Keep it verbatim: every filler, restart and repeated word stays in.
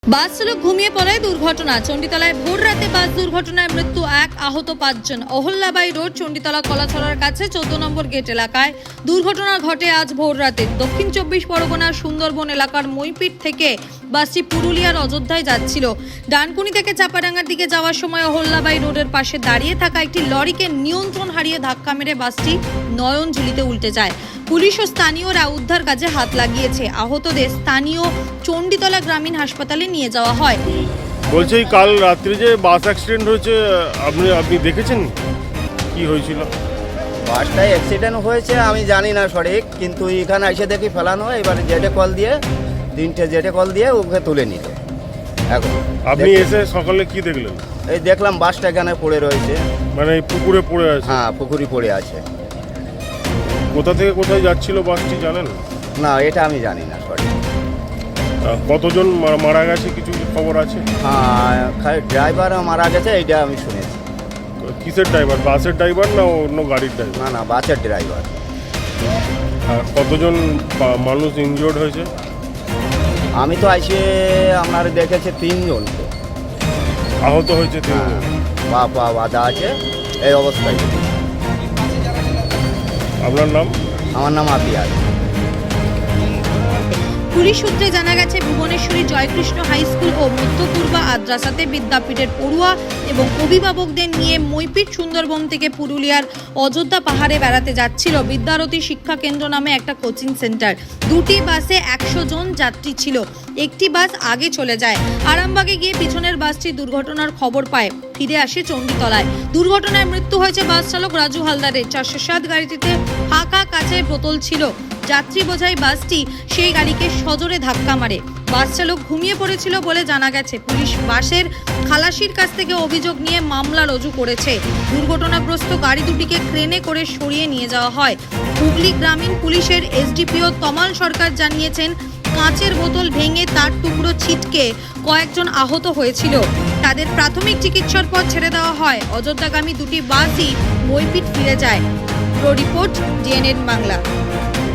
বাস চালক ঘুমিয়ে পড়ায় দুর্ঘটনা। চণ্ডীতলায় ভোর রাতে বাস দুর্ঘটনায় মৃত্যু এক, আহত পাঁচজন। অহল্যাবাই রোড, চণ্ডীতলা কলাছড়ার কাছে চোদ্দ নম্বর গেট এলাকায় দুর্ঘটনা ঘটে আজ ভোর রাতে। দক্ষিণ চব্বিশ পরগনার সুন্দরবন এলাকার মইপিট থেকে বাসটি পুরুলিয়ার অযোধ্যায় যাচ্ছিল। ডানকুনি থেকে চাপাডাঙ্গার দিকে যাওয়ার সময় অহল্যাবাই রোডের পাশে দাঁড়িয়ে থাকা একটি লরিকে নিয়ন্ত্রণ হারিয়ে ধাক্কা মেরে বাসটি নয়নঝিলিতে উল্টে যায়। পুলিশ ও স্থানীয়রা উদ্ধার কাজে হাত লাগিয়েছে। আহতদের স্থানীয় চণ্ডীতলা গ্রামীণ হাসপাতালে নিয়ে যাওয়া হয়। বলছি কাল রাত্রে যে বাস অ্যাক্সিডেন্ট হয়েছে, আপনি আপনি দেখেছেন কি হয়েছিল? বাসটায় অ্যাক্সিডেন্ট হয়েছে আমি জানি না সঠিক, কিন্তু এখানে এসে দেখি ফেলানো হয়। এবারে জেটে কল দিয়ে তিনটে জেটে কল দিয়ে ওকে তুলে নিল। এখন আপনি এসে সকালে কি দেখলেন? এই দেখলাম বাসটা এখানে পড়ে রয়েছে। মানে এই পুকুরে পড়ে আছে? হ্যাঁ, পুকুরি পড়ে আছে। কোথা থেকে কোথায় যাচ্ছিল বাসটি জানেন? না, এটা আমি জানি না সঠিক। আহ, কতজন মা- মারা গেছে কিছু খবর আছে? হ্যাঁ, খালি ড্রাইভার মারা গেছে এইটা আমি শুনেছি। কিসের ড্রাইভার? বাসের ড্রাইভার না অন্য গাড়ির ড্রাইভার? না না, বাসের ড্রাইভার। আর কতজন বা- মানুষ ইনজিওর্ড হয়েছে? আমি তো আইসে আপনার দেখেছি তিনজন তো। আহত হয়েছে হ্যাঁ, তিনজন। পা পা বাঁধা আছে এই অবস্থায়। আপনার নাম? আমার নাম আপিয়াজ। পুলিশ সূত্রে জানা গেছে, ভুবনেশ্বরী জয়কৃষ্ণ হাই স্কুল ও মধ্যপূর্বা আদ্রাসাতে বিদ্যাপীঠের পড়ুয়া এবং অভিভাবকদের নিয়ে মইপিট সুন্দরবন থেকে পুরুলিয়ার অযোধ্যা পাহাড়ে বেড়াতে যাচ্ছিল বিদ্যারতী শিক্ষা কেন্দ্র নামে একটা কোচিং সেন্টার। দুটি বাসে একশো জন যাত্রী ছিল। একটি বাস আগে চলে যায়। আরামবাগে গিয়ে পিছনের বাসটি দুর্ঘটনার খবর পায়, ফিরে আসে চণ্ডীতলায়। দুর্ঘটনায় মৃত্যু হয়েছে বাস চালক রাজু হালদারের। চারশো সাত গাড়িটিতে ফাঁকা কাচের বোতল ছিল। যাত্রী বোঝাই বাসটি সেই গাড়িকে সজোরে ধাক্কা মারে। বাস চালক ঘুমিয়ে পড়েছিল বলে জানা গেছে। পুলিশ বাসের খালাসির কাছ থেকে অভিযোগ নিয়ে মামলা রুজু করেছে। দুর্ঘটনাগ্রস্ত গাড়ি দুটিকে ক্রেনে করে সরিয়ে নিয়ে যাওয়া হয়। হুগলি গ্রামীণ পুলিশের এসডিপিও তমাল সরকার জানিয়েছেন, কাঁচের বোতল ভেঙে তার টুকরো ছিটকে কয়েকজন আহত হয়েছিল। তাদের প্রাথমিক চিকিৎসার পর ছেড়ে দেওয়া হয়। অযোধ্যাগামী দুটি বাসই মইপিট ফিরে যায়। Report DNN Bangla.